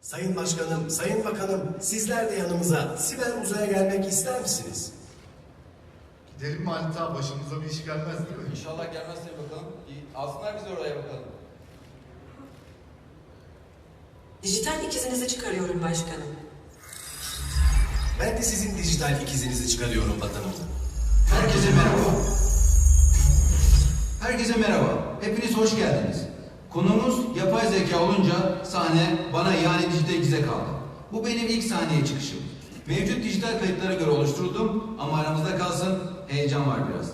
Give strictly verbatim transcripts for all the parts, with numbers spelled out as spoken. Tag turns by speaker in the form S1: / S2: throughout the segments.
S1: Sayın Başkanım, Sayın Bakanım, sizler de yanımıza siber uzaya gelmek ister misiniz?
S2: Gidelim mi Halit abi? Başımıza bir iş gelmez değil mi?
S3: İnşallah gelmez tabii bakalım. İyi, alsınlar bizi oraya bakalım.
S4: Dijital ikizinizi çıkarıyorum başkanım.
S1: Ben de sizin dijital ikizinizi çıkarıyorum vatanım.
S5: Herkese merhaba. Herkese merhaba. Hepiniz hoş geldiniz. Konumuz yapay zeka olunca sahne bana yani dijital ikize kaldı. Bu benim ilk sahneye çıkışım. Mevcut dijital kayıtlara göre oluşturuldum ama aramızda kalsın, heyecan var biraz.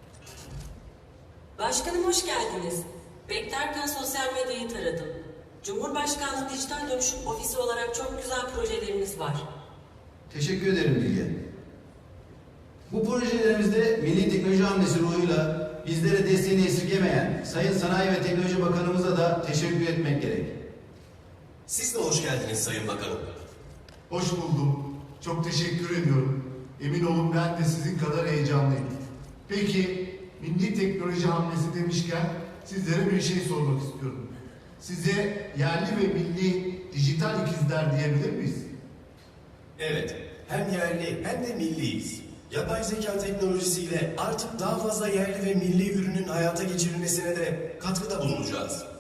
S4: Başkanım hoş geldiniz. Beklerken sosyal medyayı taradım. Cumhurbaşkanlığı Dijital Dönüşüm Ofisi olarak çok güzel projeleriniz var.
S5: Teşekkür ederim Bilge. Bu projelerimizde Milli Teknoloji Hamlesi ruhuyla bizlere desteğini esirgemeyen Sayın Sanayi ve Teknoloji Bakanımıza da teşekkür etmek gerek.
S1: Siz de hoş geldiniz Sayın Bakanım.
S2: Hoş buldum. Çok teşekkür ediyorum. Emin olun ben de sizin kadar heyecanlıyım. Peki, milli teknoloji hamlesi demişken sizlere bir şey sormak istiyorum. Size yerli ve milli dijital ikizler diyebilir miyiz?
S1: Evet, hem yerli hem de milliyiz. Yapay zeka teknolojisiyle artık daha fazla yerli ve milli ürünün hayata geçirilmesine de katkıda bulunacağız.